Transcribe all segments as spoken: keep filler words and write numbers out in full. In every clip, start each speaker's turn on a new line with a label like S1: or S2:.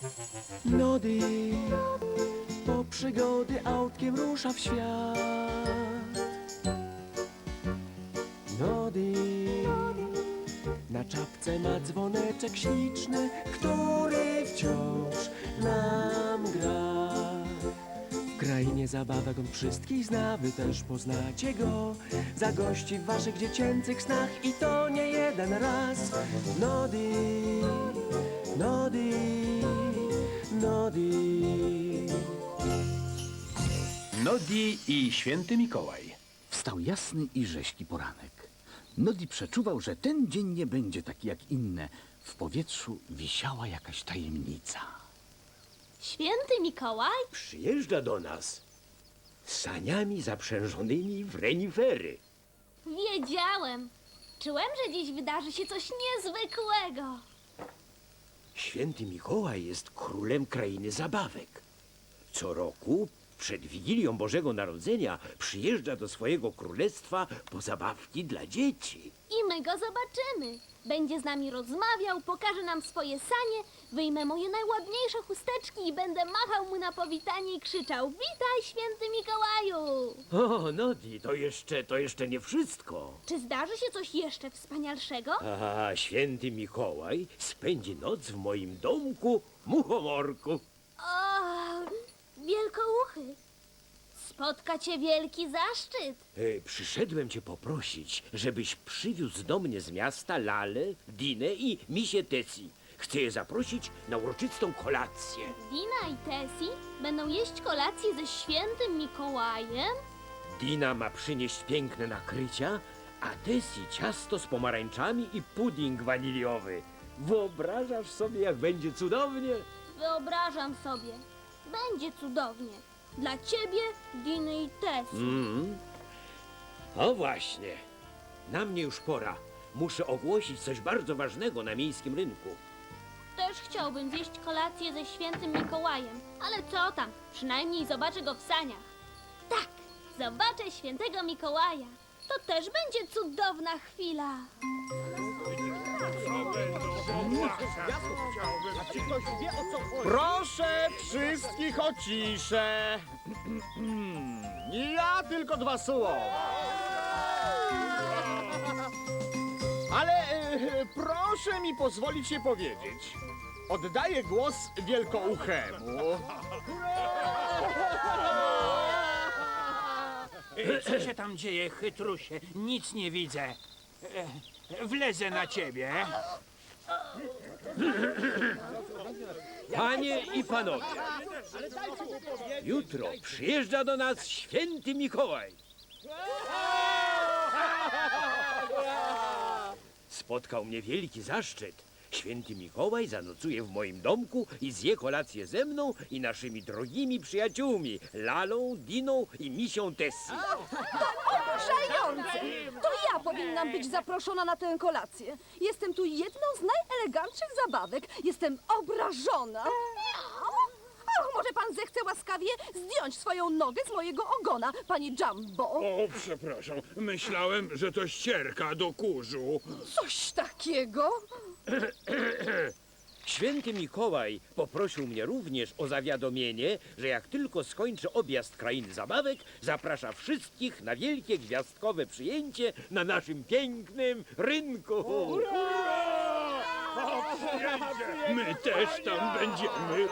S1: Nody po przygody autkiem rusza w świat. Nody na czapce ma dzwoneczek śliczny, który wciąż nam gra. W krainie zabawek on wszystkich zna, wy też poznacie go. Zagości w waszych dziecięcych snach i to nie jeden raz. Nody, Nody, Nody.
S2: Nodi i święty Mikołaj.
S3: Wstał jasny i rześki poranek. Nodi przeczuwał, że ten dzień nie będzie taki jak inne. W powietrzu wisiała jakaś tajemnica.
S4: Święty Mikołaj?
S5: Przyjeżdża do nas z saniami zaprzężonymi w renifery.
S4: Wiedziałem. Czułem, że dziś wydarzy się coś niezwykłego.
S5: Święty Mikołaj jest królem krainy zabawek. Co roku przed Wigilią Bożego Narodzenia przyjeżdża do swojego królestwa po zabawki dla dzieci.
S4: I my go zobaczymy. Będzie z nami rozmawiał, pokaże nam swoje sanie, wyjmę moje najładniejsze chusteczki i będę machał mu na powitanie i krzyczał: witaj, święty Mikołaju!
S5: O, Nodi, to jeszcze, to jeszcze nie wszystko.
S4: Czy zdarzy się coś jeszcze wspanialszego?
S5: A święty Mikołaj spędzi noc w moim domku Muchomorku.
S4: O, wielkouchy! Spotka cię wielki zaszczyt.
S5: E, przyszedłem cię poprosić, żebyś przywiózł do mnie z miasta Lalę, Dinę i Misię Tessie. Chcę je zaprosić na uroczystą kolację.
S4: Dina i Tessie będą jeść kolację ze świętym Mikołajem?
S5: Dina ma przynieść piękne nakrycia, a Tessie ciasto z pomarańczami i pudding waniliowy. Wyobrażasz sobie, jak będzie cudownie?
S4: Wyobrażam sobie. Będzie cudownie. Dla ciebie, Diny i Tessie.
S5: Mm. O właśnie. Na mnie już pora. Muszę ogłosić coś bardzo ważnego na miejskim rynku.
S4: Też chciałbym zjeść kolację ze świętym Mikołajem. Ale co tam? Przynajmniej zobaczę go w saniach. Tak, zobaczę świętego Mikołaja. To też będzie cudowna chwila.
S6: Proszę wszystkich o ciszę. Ja tylko dwa słowa. Ale e, proszę mi pozwolić się powiedzieć. Oddaję głos wielkouchemu.
S2: E, Co się tam dzieje, chytrusie? Nic nie widzę. E, Wlezę na ciebie.
S5: Panie i panowie, jutro przyjeżdża do nas święty Mikołaj. Spotkał mnie wielki zaszczyt. Święty Mikołaj zanocuje w moim domku i zje kolację ze mną i naszymi drogimi przyjaciółmi, Lalą, Diną i Misią Tessie.
S7: Oburzające! To ja powinnam być zaproszona na tę kolację. Jestem tu jedną z najelegantszych zabawek. Jestem obrażona. O, może pan zechce łaskawie zdjąć swoją nogę z mojego ogona, panie Jumbo.
S8: O, przepraszam. Myślałem, że to ścierka do kurzu.
S7: Coś takiego?
S5: Święty Mikołaj poprosił mnie również o zawiadomienie, że jak tylko skończy objazd krainy zabawek, zaprasza wszystkich na wielkie gwiazdkowe przyjęcie na naszym pięknym rynku.
S8: My też tam będziemy.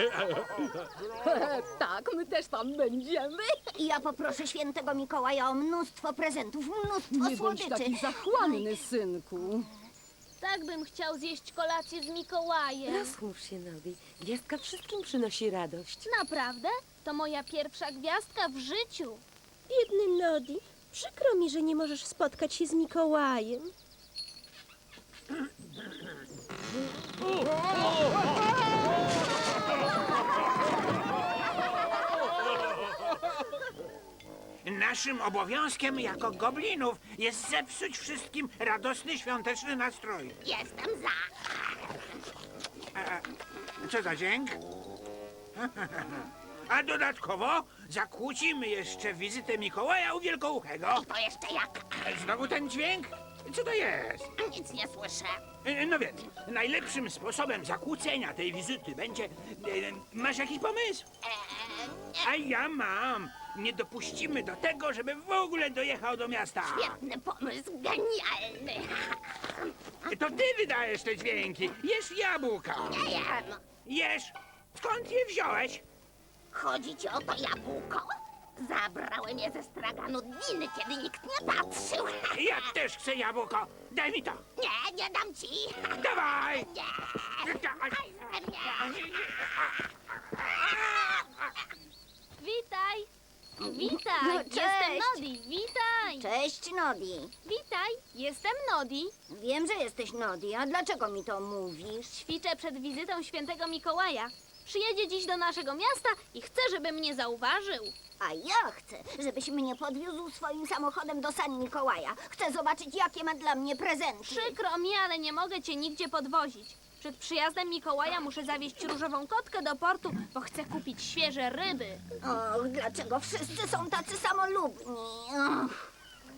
S7: Tak, my też tam będziemy.
S9: Ja poproszę świętego Mikołaja o mnóstwo prezentów, mnóstwo
S7: Nie bądź
S9: słodyczy.
S7: taki zachłanny, synku.
S4: Tak bym chciał zjeść kolację z Mikołajem.
S10: Rozchmurz się, Nodi. Gwiazdka wszystkim przynosi radość.
S4: Naprawdę? To moja pierwsza gwiazdka w życiu.
S11: Biedny Nodi, przykro mi, że nie możesz spotkać się z Mikołajem.
S2: Naszym obowiązkiem jako goblinów jest zepsuć wszystkim radosny świąteczny nastrój.
S9: Jestem za.
S2: E, co za dźwięk? A dodatkowo zakłócimy jeszcze wizytę Mikołaja u Wielkouchego.
S9: To jeszcze jak?
S2: Znowu ten dźwięk? Co to jest?
S9: Nic nie słyszę.
S2: E, No więc, najlepszym sposobem zakłócenia tej wizyty będzie... e, Masz jakiś pomysł? A ja mam. Nie dopuścimy do tego, żeby w ogóle dojechał do miasta.
S9: Świetny pomysł, genialny.
S2: To ty wydajesz te dźwięki. Jesz jabłka.
S9: Nie jem.
S2: Jesz. Skąd je wziąłeś?
S9: Chodzi ci o to jabłko? Zabrałem je ze straganu Diny, kiedy nikt nie patrzył.
S2: Ja też chcę jabłko. Daj mi to.
S9: Nie, nie dam ci.
S2: Dawaj.
S9: Nie.
S4: Witaj! Witaj!
S9: No,
S4: Jestem
S9: cześć.
S4: Nodi! Witaj!
S9: Cześć, Nodi.
S4: Witaj! Jestem Nodi!
S9: Wiem, że jesteś Nodi, a dlaczego mi to mówisz?
S4: Ćwiczę przed wizytą świętego Mikołaja. Przyjedzie dziś do naszego miasta i chcę, żeby mnie zauważył.
S9: A ja chcę, żebyś mnie podwiózł swoim samochodem do San Mikołaja. Chcę zobaczyć, jakie ma dla mnie prezenty.
S4: Przykro mi, ale nie mogę cię nigdzie podwozić. Przed przyjazdem Mikołaja muszę zawieźć różową kotkę do portu, bo chcę kupić świeże ryby.
S9: Och, dlaczego wszyscy są tacy samolubni? Och.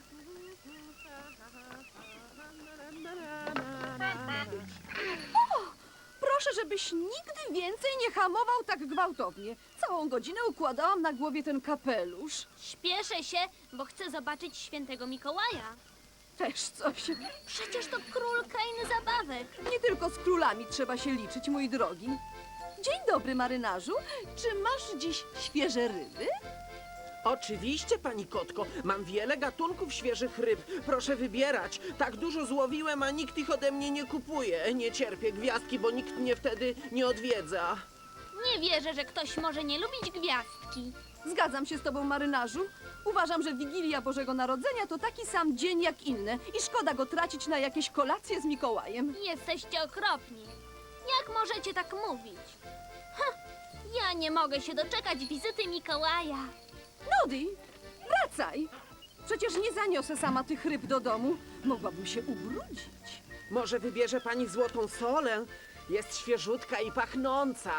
S7: Proszę, żebyś nigdy więcej nie hamował tak gwałtownie. Całą godzinę układałam na głowie ten kapelusz.
S4: Śpieszę się, bo chcę zobaczyć świętego Mikołaja.
S7: Też coś.
S4: Przecież to król krainy zabawek.
S7: Nie tylko z królami trzeba się liczyć, mój drogi. Dzień dobry, marynarzu. Czy masz dziś świeże ryby?
S12: Oczywiście, pani kotko. Mam wiele gatunków świeżych ryb. Proszę wybierać. Tak dużo złowiłem, a nikt ich ode mnie nie kupuje. Nie cierpię gwiazdki, bo nikt mnie wtedy nie odwiedza.
S4: Nie wierzę, że ktoś może nie lubić gwiazdki.
S7: Zgadzam się z tobą, marynarzu. Uważam, że Wigilia Bożego Narodzenia to taki sam dzień jak inne i szkoda go tracić na jakieś kolacje z Mikołajem.
S4: Jesteście okropni. Jak możecie tak mówić? Ha, ja nie mogę się doczekać wizyty Mikołaja.
S7: Nodi, wracaj! Przecież nie zaniosę sama tych ryb do domu. Mogłabym się ubrudzić.
S12: Może wybierze pani złotą solę? Jest świeżutka i pachnąca.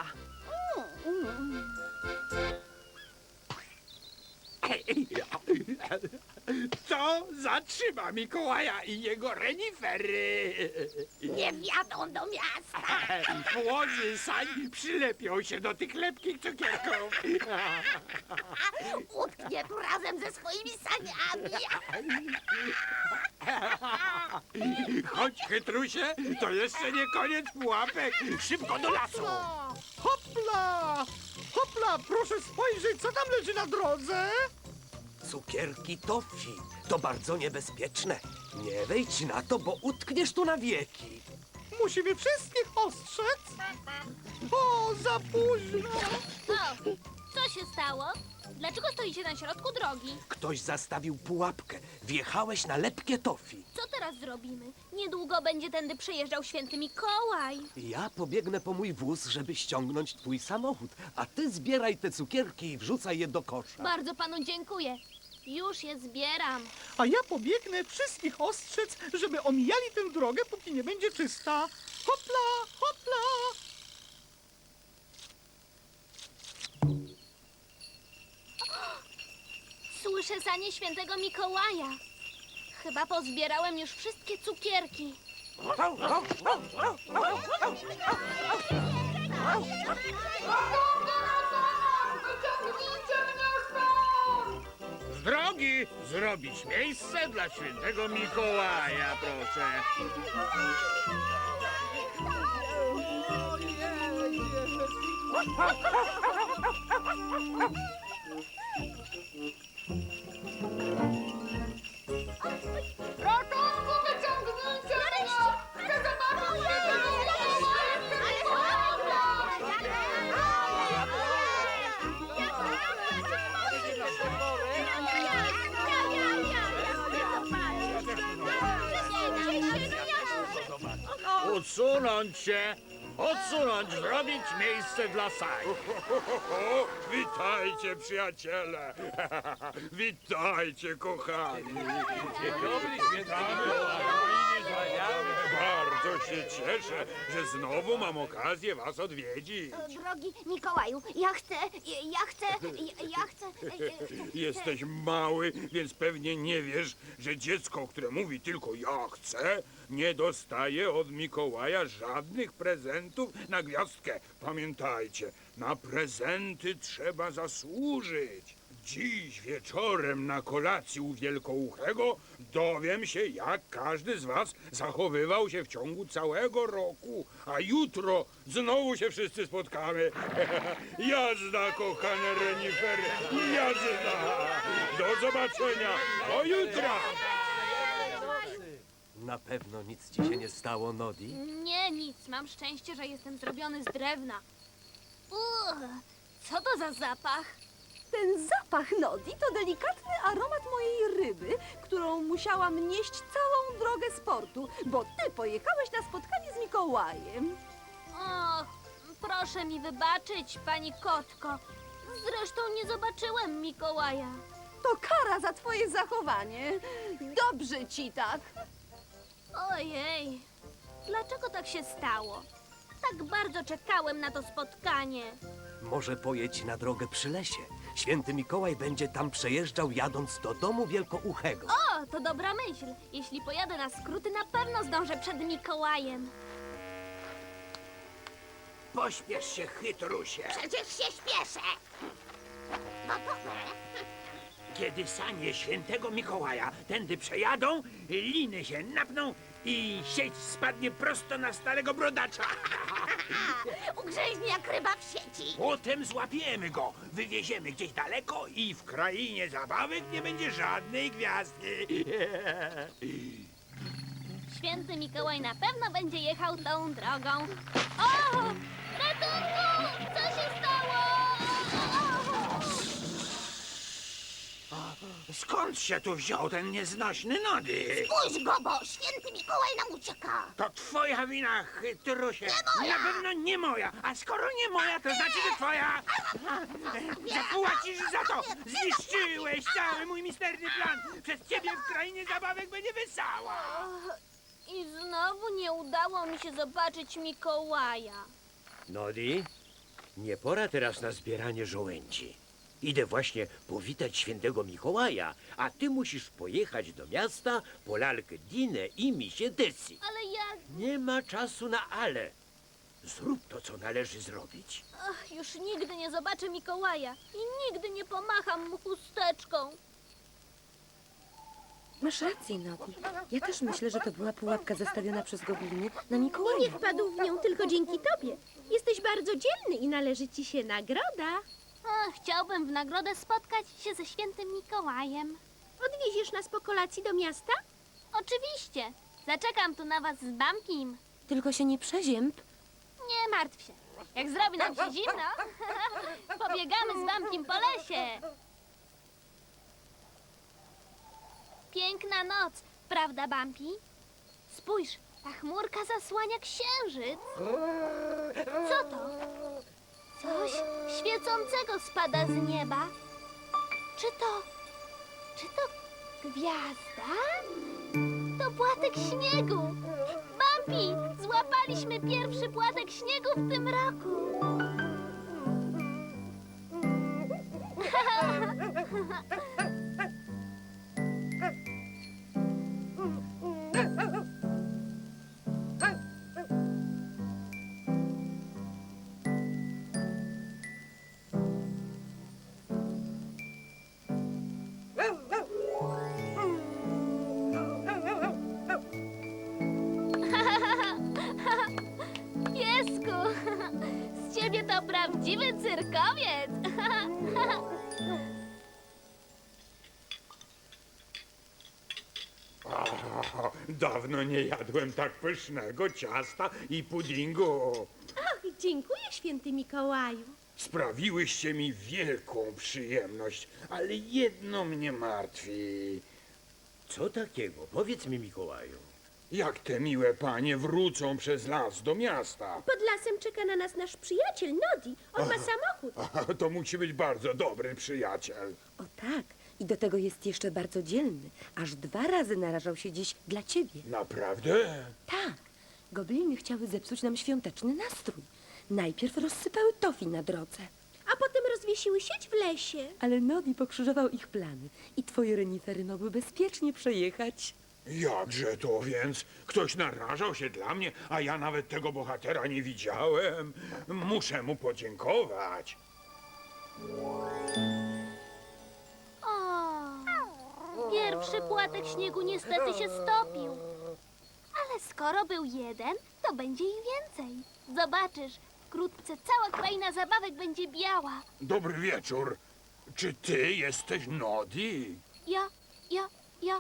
S2: To zatrzyma Mikołaja i jego renifery.
S9: Nie wjadą do miasta.
S2: Płozy sań przylepią się do tych lepkich cukierków.
S9: Utknie tu razem ze swoimi saniami.
S2: Chodź, chytrusie, to jeszcze nie koniec pułapek. Szybko do lasu.
S6: Hopla! Hopla! Proszę spojrzeć, co tam leży na drodze!
S1: Cukierki toffee to bardzo niebezpieczne. Nie wejdź na to, bo utkniesz tu na wieki.
S6: Musimy wszystkich ostrzec! O, za późno!
S4: O, co się stało? Dlaczego stoicie na środku drogi?
S1: Ktoś zastawił pułapkę. Wjechałeś na lepkie toffee.
S4: Co teraz zrobimy? Niedługo będzie tędy przejeżdżał święty Mikołaj.
S1: Ja pobiegnę po mój wóz, żeby ściągnąć twój samochód, a ty zbieraj te cukierki i wrzucaj je do kosza.
S4: Bardzo panu dziękuję. Już je zbieram.
S6: A ja pobiegnę wszystkich ostrzec, żeby omijali tę drogę, póki nie będzie czysta. Hopla, hopla!
S4: Słyszę sanie świętego Mikołaja. Chyba pozbierałem już wszystkie cukierki.
S5: Z drogi zrobić miejsce dla świętego Mikołaja, proszę.
S9: Ratunku, wyciągnijcie mnie! Chcę zobaczyć
S5: Odsunąć się! Odsunąć, zrobić miejsce dla sań.
S8: Witajcie, przyjaciele! Witajcie, kochani!
S5: Dzień dobry, święty
S8: Bardzo się cieszę, że znowu mam okazję was odwiedzić.
S9: Drogi Mikołaju, ja chcę, ja chcę, ja, ja chcę...
S8: Jesteś mały, więc pewnie nie wiesz, że dziecko, które mówi tylko ja chcę, nie dostaje od Mikołaja żadnych prezentów na gwiazdkę. Pamiętajcie, na prezenty trzeba zasłużyć. Dziś wieczorem na kolacji u Wielkouchego dowiem się, jak każdy z was zachowywał się w ciągu całego roku. A jutro znowu się wszyscy spotkamy. Jazda, kochane renifery, jazda! Do zobaczenia, do jutra!
S1: Na pewno nic ci się nie stało, Nodi?
S4: Nie, nic. Mam szczęście, że jestem zrobiony z drewna. Uch, co to za zapach?
S7: Ten zapach Nodi to delikatny aromat mojej ryby, którą musiałam nieść całą drogę z portu, bo ty pojechałeś na spotkanie z Mikołajem.
S4: Och, proszę mi wybaczyć, pani kotko. Zresztą nie zobaczyłem Mikołaja.
S7: To kara za twoje zachowanie. Dobrze ci tak.
S4: Ojej, dlaczego tak się stało? Tak bardzo czekałem na to spotkanie.
S1: Może pojedź na drogę przy lesie. Święty Mikołaj będzie tam przejeżdżał, jadąc do domu Wielkouchego.
S4: O, to dobra myśl. Jeśli pojadę na skróty, na pewno zdążę przed Mikołajem.
S2: Pośpiesz się, chytrusie.
S9: Przecież się śpieszę. Gotowe.
S2: Kiedy sanie świętego Mikołaja tędy przejadą, liny się napną i sieć spadnie prosto na starego brodacza.
S9: Ugrzęźnie jak ryba w sieci.
S2: Potem złapiemy go, wywieziemy gdzieś daleko i w krainie zabawek nie będzie żadnej gwiazdki.
S4: Święty Mikołaj na pewno będzie jechał tą drogą. O! Ratunku! Co się stało?
S2: Skąd się tu wziął ten nieznośny Nody?
S9: Spójrz, Gobo, święty Mikołaj nam ucieka.
S2: To twoja wina, chytrusie.
S9: Nie moja.
S2: Na pewno nie moja. A skoro nie moja, to znaczy, że twoja. Zapłacisz za to. Zniszczyłeś cały mój misterny plan. Przez ciebie w krainie zabawek będzie wesoło.
S4: I znowu nie udało mi się zobaczyć Mikołaja.
S5: Nodi, nie pora teraz na zbieranie żołędzi. Idę właśnie powitać świętego Mikołaja, a ty musisz pojechać do miasta po lalkę Dinę i misie Desi.
S4: Ale ja...
S5: Nie ma czasu na ale. Zrób to, co należy zrobić.
S4: Ach, już nigdy nie zobaczę Mikołaja i nigdy nie pomacham mu chusteczką.
S10: Masz rację, Nodi. Ja też myślę, że to była pułapka zastawiona przez gobliny na
S11: I
S10: Mikołaja.
S11: nie wpadł w nią tylko dzięki tobie. Jesteś bardzo dzielny i należy ci się nagroda.
S4: Ach, chciałbym w nagrodę spotkać się ze świętym Mikołajem.
S11: Odwieziesz nas po kolacji do miasta?
S4: Oczywiście. Zaczekam tu na was z Bamkim.
S10: Tylko się nie przezięb.
S4: Nie martw się. Jak zrobi nam się zimno, pobiegamy z Bamkim po lesie. Piękna noc, prawda, Bampi? Spójrz, ta chmurka zasłania księżyc. Co to? Coś świecącego spada z nieba. Czy to... Czy to gwiazda? To płatek śniegu. Bampi, złapaliśmy pierwszy płatek śniegu w tym roku. Piesku, z ciebie to prawdziwy cyrkowiec.
S8: O, dawno nie jadłem tak pysznego ciasta i puddingu.
S11: Ach, dziękuję, święty Mikołaju.
S8: Sprawiłyście mi wielką przyjemność, ale jedno mnie martwi.
S5: Co takiego? Powiedz mi, Mikołaju.
S8: Jak te miłe panie wrócą przez las do miasta?
S11: Pod lasem czeka na nas nasz przyjaciel Nodi. On ma samochód.
S8: A, to musi być bardzo dobry przyjaciel.
S10: O tak. I do tego jest jeszcze bardzo dzielny. Aż dwa razy narażał się dziś dla ciebie.
S8: Naprawdę?
S10: Tak. Gobliny chciały zepsuć nam świąteczny nastrój. Najpierw rozsypały tofi na drodze.
S11: A potem rozwiesiły sieć w lesie.
S10: Ale Nodi pokrzyżował ich plany i twoje renifery mogły bezpiecznie przejechać.
S8: Jakże to więc? Ktoś narażał się dla mnie, a ja nawet tego bohatera nie widziałem. Muszę mu podziękować.
S4: O, pierwszy płatek śniegu niestety się stopił. Ale skoro był jeden, to będzie ich więcej. Zobaczysz, wkrótce cała kraina zabawek będzie biała.
S8: Dobry wieczór. Czy ty jesteś Nodi?
S4: Ja, ja, ja.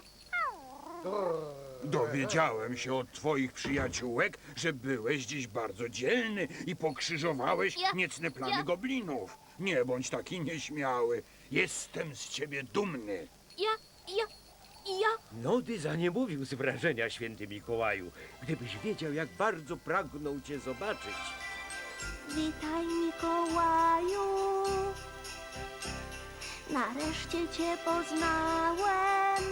S8: Dowiedziałem się od twoich przyjaciółek, że byłeś dziś bardzo dzielny i pokrzyżowałeś
S4: Ja-
S8: niecne plany
S4: ja-
S8: goblinów. Nie bądź taki nieśmiały. Jestem z ciebie dumny.
S4: Ja, ja, ja.
S5: Nody zaniemówił z wrażenia, święty Mikołaju. Gdybyś wiedział, jak bardzo pragnął cię zobaczyć.
S4: Witaj, Mikołaju. Nareszcie cię poznałem.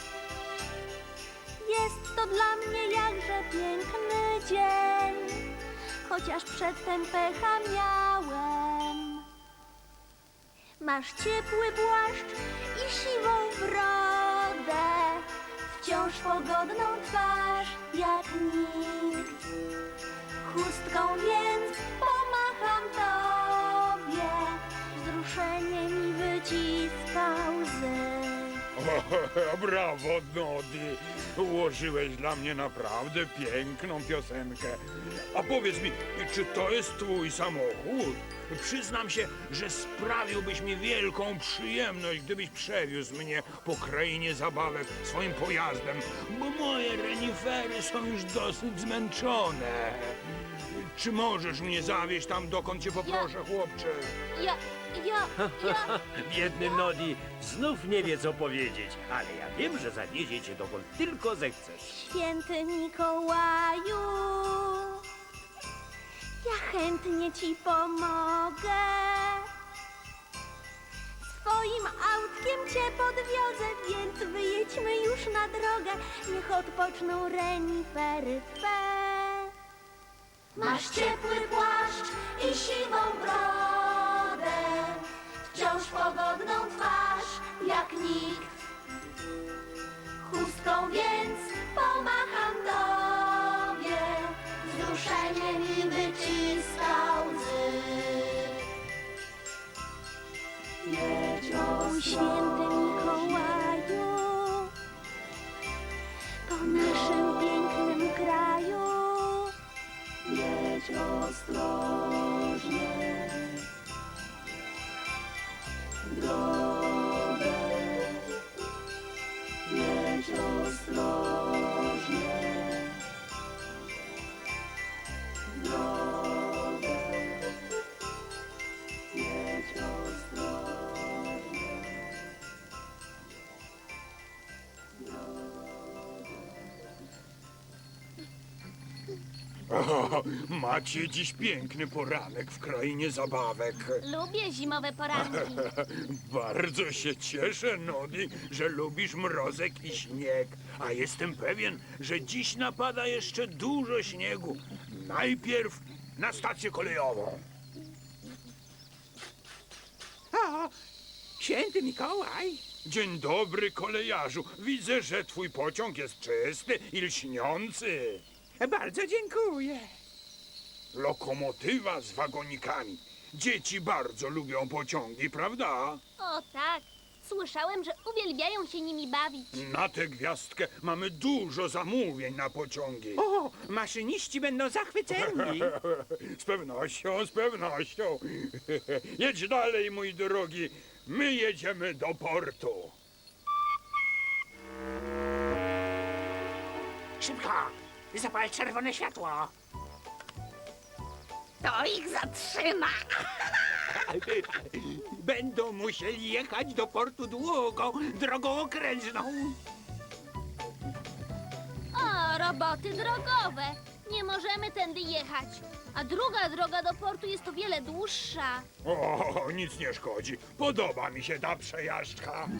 S4: Jest to dla mnie jakże piękny dzień, chociaż przedtem pecha miałem. Masz ciepły płaszcz i siwą brodę, wciąż pogodną twarz jak nikt. Chustką więc pomacham tobie, wzruszenie mi wyciska łzy.
S8: Brawo, Nodi. Ułożyłeś dla mnie naprawdę piękną piosenkę. A powiedz mi, czy to jest twój samochód? Przyznam się, że sprawiłbyś mi wielką przyjemność, gdybyś przewiózł mnie po krainie zabawek swoim pojazdem, bo moje renifery są już dosyć zmęczone. Czy możesz mnie zawieźć tam, dokąd cię poproszę, chłopcze?
S4: Ja, ja, ja.
S5: Biedny Nodi znów nie wie, co powiedzieć, ale ja wiem, że zawiezie cię dokąd tylko zechcesz.
S4: Święty Mikołaju, ja chętnie ci pomogę. Swoim autkiem cię podwiozę, więc wyjedźmy już na drogę. Niech odpoczną renifery twe. Masz ciepły płaszcz i siwą brodę, wciąż pogodną twarz jak nikt. Chustką więc pomacham tobie, wzruszenie mi wyciska łzy. Jedź o święty Mikołaju, po naszym pięknym kraju. Jedź ostrożnie drogę, jedź ostrożnie drogę, jedź ostrożnie.
S8: O, macie dziś piękny poranek w krainie zabawek.
S4: Lubię zimowe poranki.
S8: Bardzo się cieszę, Nodi, że lubisz mrozek i śnieg. A jestem pewien, że dziś napada jeszcze dużo śniegu. Najpierw na stację kolejową.
S2: O, święty Mikołaj.
S8: Dzień dobry, kolejarzu. Widzę, że twój pociąg jest czysty i lśniący.
S2: Bardzo dziękuję.
S8: Lokomotywa z wagonikami. Dzieci bardzo lubią pociągi, prawda?
S4: O tak, słyszałem, że uwielbiają się nimi bawić.
S8: Na tę gwiazdkę mamy dużo zamówień na pociągi.
S2: O, maszyniści będą zachwyceni.
S8: Z pewnością, z pewnością. Jedź dalej, mój drogi. My jedziemy do portu.
S2: Szybko, zapal czerwone światło. To ich zatrzyma. Będą musieli jechać do portu długą, drogą okrężną.
S4: O, roboty drogowe. Nie możemy tędy jechać. A druga droga do portu jest o wiele dłuższa.
S8: O, nic nie szkodzi. Podoba mi się ta przejażdżka.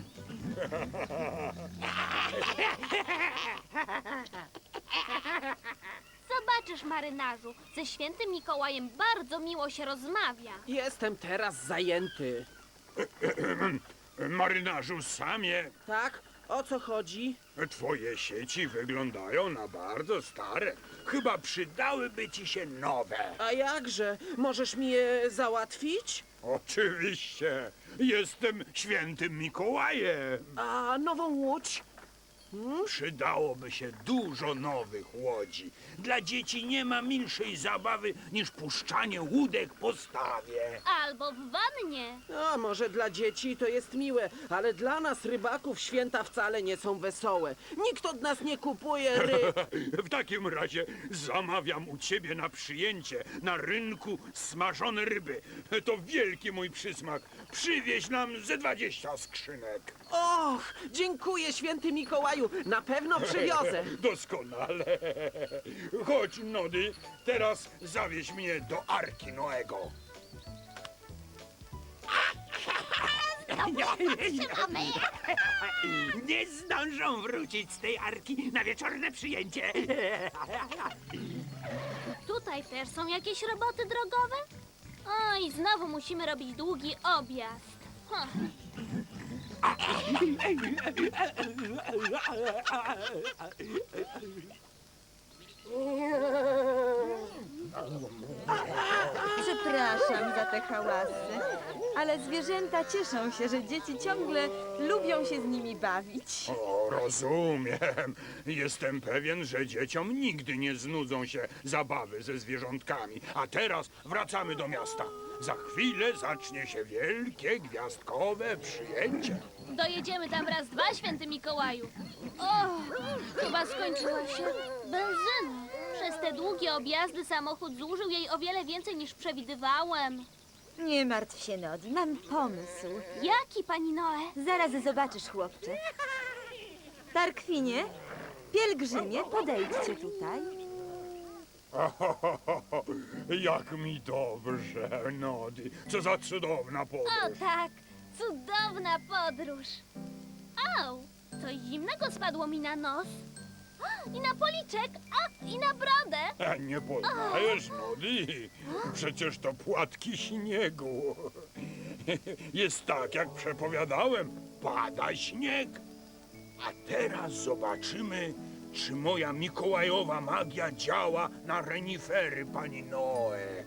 S4: Co Zobaczysz, marynarzu, ze świętym Mikołajem bardzo miło się rozmawia.
S12: Jestem teraz zajęty.
S8: Marynarzu Samie,
S12: Tak? O co chodzi?
S8: twoje sieci wyglądają na bardzo stare. Chyba przydałyby ci się nowe.
S12: A jakże? Możesz mi je załatwić?
S8: Oczywiście. Jestem świętym Mikołajem.
S12: A nową łódź?
S8: Przydałoby się dużo nowych łodzi. Dla dzieci nie ma milszej zabawy niż puszczanie łódek po stawie.
S4: Albo w wannie.
S12: A może dla dzieci to jest miłe, ale dla nas, rybaków, święta wcale nie są wesołe. Nikt od nas nie kupuje ryb.
S8: W takim razie zamawiam u ciebie na przyjęcie na rynku smażone ryby. To wielki mój przysmak. Przywieź nam ze dwadzieścia skrzynek.
S12: Och, dziękuję, święty Mikołaju. Na pewno przywiozę.
S8: Doskonale. Chodź, Nody, teraz zawieź mnie do Arki Noego.
S2: Nie zdążą wrócić z tej arki na wieczorne przyjęcie.
S4: Tutaj też są jakieś roboty drogowe? Oj, znowu musimy robić długi objazd. Hm.
S13: Przepraszam za te hałasy, ale zwierzęta cieszą się, że dzieci ciągle lubią się z nimi bawić.
S8: O, rozumiem. Jestem pewien, że dzieciom nigdy nie znudzą się zabawy ze zwierzątkami. A teraz wracamy do miasta. Za chwilę zacznie się wielkie, gwiazdkowe przyjęcie.
S4: Dojedziemy tam raz dwa, święty Mikołaju. O, chyba skończyła się benzyna. Przez te długie objazdy samochód zużył jej o wiele więcej niż przewidywałem.
S13: Nie martw się, Nodi, mam pomysł.
S4: Jaki, pani Noe?
S13: Zaraz zobaczysz, chłopcze. Tarkwinie, pielgrzymie, podejdźcie tutaj.
S8: Jak mi dobrze, Nody. Co za cudowna
S4: O
S8: podróż.
S4: tak, cudowna podróż. Au, coś zimnego spadło mi na nos. I na policzek, a i na brodę.
S8: E, Nie poznajesz, Nody? Przecież to płatki śniegu. Jest tak, jak przepowiadałem. Pada śnieg. A teraz zobaczymy, czy moja mikołajowa magia działa na renifery pani Noe.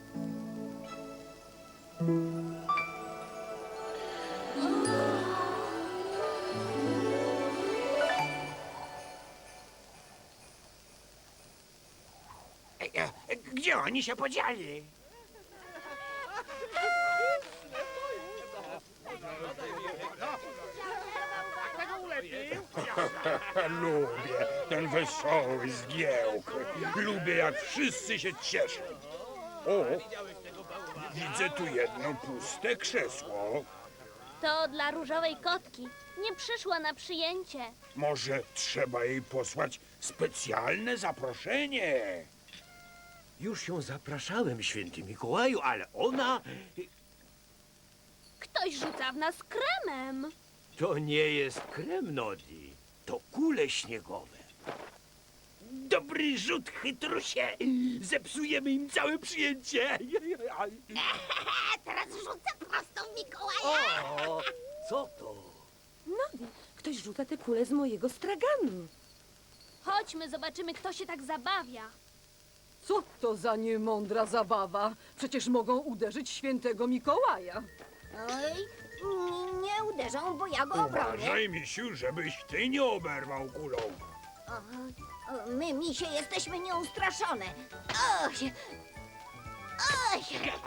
S2: Gdzie oni się podzieli?
S8: Lubię ten wesoły zgiełk. Lubię, jak wszyscy się cieszą. O, widzę tu jedno puste krzesło.
S4: To dla różowej kotki. Nie przyszła na przyjęcie.
S8: Może trzeba jej posłać specjalne zaproszenie.
S1: Już ją zapraszałem, święty Mikołaju, ale ona...
S4: Ktoś rzuca w nas kremem.
S1: To nie jest krem, Nodi. To kule śniegowe.
S2: Dobry rzut, chytrusie. Zepsujemy im całe przyjęcie.
S9: Teraz rzucę prosto w Mikołaja.
S1: O, co to?
S10: Nodi, ktoś rzuca te kule z mojego straganu.
S4: Chodźmy, zobaczymy, kto się tak zabawia.
S7: Co to za niemądra zabawa? Przecież mogą uderzyć świętego Mikołaja.
S9: Oj, n- nie uderzą, bo ja go obronię.
S8: Uważaj, misiu, żebyś ty nie oberwał kulą.
S9: O, o, my, misie, jesteśmy nieustraszone. Oj, oj.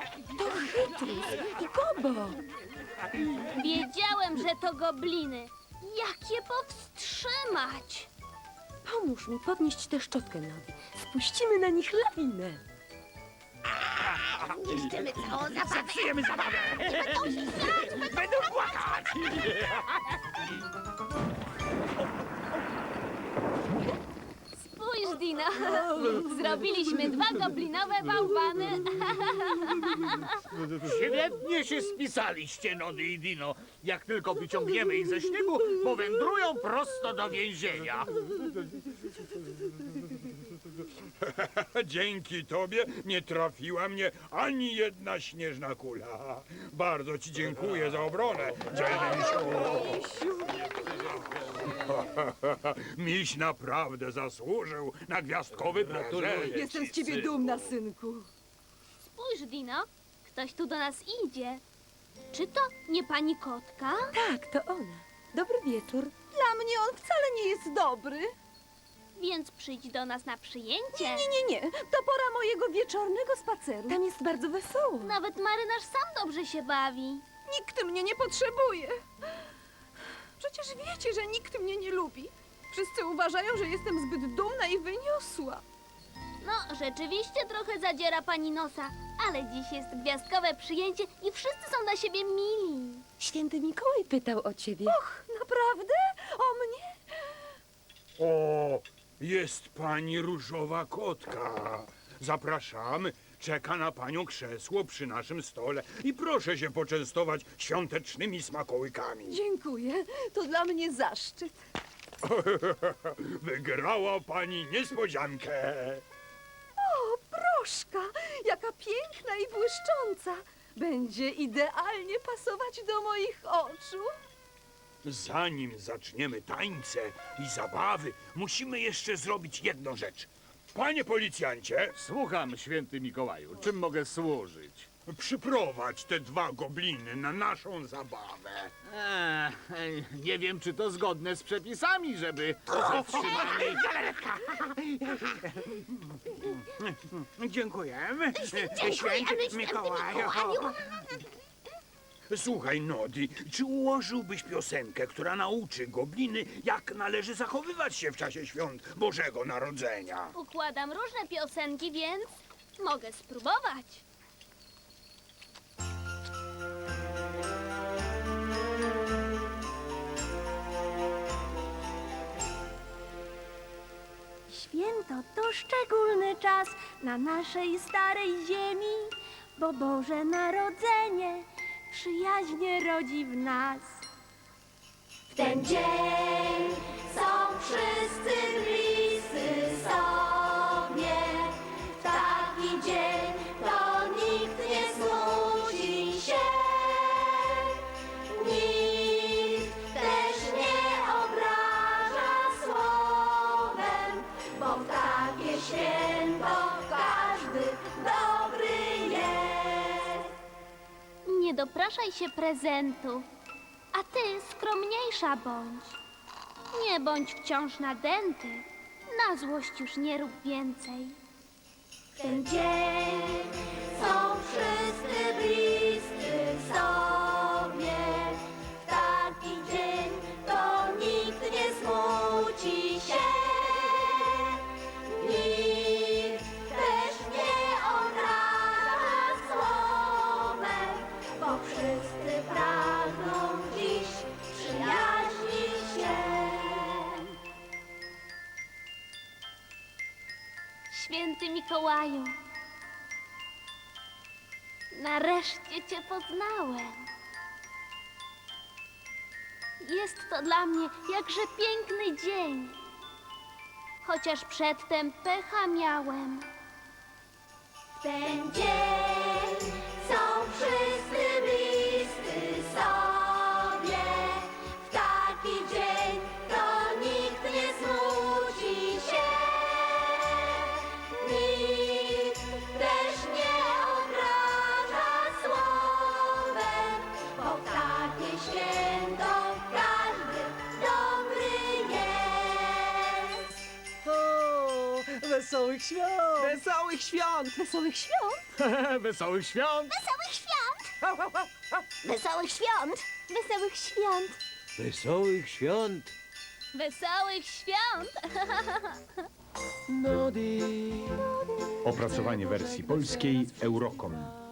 S10: I Bobo!
S4: Wiedziałem, że to gobliny. Jak je powstrzymać?
S10: Pomóż mi podnieść tę szczotkę, Nodi. Spuścimy na nich lawinę.
S9: Niszczymy całą zabawę.
S2: Zepsujemy zabawę. Będą płakać.
S4: Spójrz, Dino. Zrobiliśmy dwa goblinowe bałwany.
S6: Świetnie się spisaliście, Nody i Dino. Jak tylko wyciągniemy ich ze śniegu, powędrują prosto do więzienia.
S8: Dzięki tobie nie trafiła mnie ani jedna śnieżna kula. Bardzo ci dziękuję za obronę, dzielny misiu. Miś naprawdę zasłużył na gwiazdkowy prezent.
S7: Jestem z ciebie dumna, synku.
S4: Spójrz, Dino, ktoś tu do nas idzie. Czy to nie pani kotka?
S11: Tak, to ona. Dobry wieczór.
S7: Dla mnie on wcale nie jest dobry.
S4: Więc przyjdź do nas na przyjęcie.
S7: Nie, nie, nie, nie. To pora mojego wieczornego spaceru.
S11: Tam jest bardzo wesoło.
S4: Nawet marynarz sam dobrze się bawi.
S7: Nikt mnie nie potrzebuje. Przecież wiecie, że nikt mnie nie lubi. Wszyscy uważają, że jestem zbyt dumna i wyniosła.
S4: No, rzeczywiście trochę zadziera pani nosa, ale dziś jest gwiazdkowe przyjęcie i wszyscy są dla siebie mili.
S11: Święty Mikołaj pytał o ciebie.
S7: Och, naprawdę? O mnie?
S8: O, jest pani różowa kotka. Zapraszamy. Czeka na panią krzesło przy naszym stole i proszę się poczęstować świątecznymi smakołykami.
S7: Dziękuję. To dla mnie zaszczyt.
S8: Wygrała pani niespodziankę.
S7: O, proszka, jaka piękna i błyszcząca. Będzie idealnie pasować do moich oczu.
S8: Zanim zaczniemy tańce i zabawy, musimy jeszcze zrobić jedną rzecz. Panie policjancie,
S3: Słucham, święty Mikołaju. Czym mogę służyć?
S8: przyprowadź te dwa gobliny na naszą zabawę.
S3: Eee, nie wiem, czy to zgodne z przepisami, żeby zatrzymali...
S2: Dziękujemy. Święty Mikołaju.
S8: Słuchaj, Nodi, czy ułożyłbyś piosenkę, która nauczy gobliny, jak należy zachowywać się w czasie świąt Bożego Narodzenia?
S4: Układam różne piosenki, więc mogę spróbować. Święto to szczególny czas na naszej starej ziemi, bo Boże Narodzenie przyjaźnie rodzi w nas. W ten dzień są wszyscy bliscy sobie. W taki dzień to nikt nie smuci się. Nikt też nie obraża słowem, bo w takie święto każdy dobry jest. Nie dopraszaj się prezentów, a ty skromniejsza bądź. Nie bądź wciąż nadęty, na złość już nie rób więcej. W ten dzień są wszyscy bliscy sobie. W taki dzień to nikt nie smuci się. Nikt też nie obraża słowem, bo wszyscy pragną dziś przyjaźnić się. Święty Mikołaju, nareszcie cię poznałem. Jest to dla mnie jakże piękny dzień, chociaż przedtem pecha miałem. W ten dzień są wszyscy bliscy sobie. W taki dzień to nikt nie smuci się. Nikt też nie obraża słowem, bo w takie święto każdy dobry jest.
S6: O, wesołych świąt!
S12: Wesołych świąt!
S7: Wesołych świąt!
S3: Wesołych świąt!
S9: Wesołych świąt! Wesołych świąt!
S4: Wesołych świąt!
S5: Wesołych świąt!
S4: Wesołych świąt!
S5: Nodi.
S14: Opracowanie wersji polskiej Eurocom.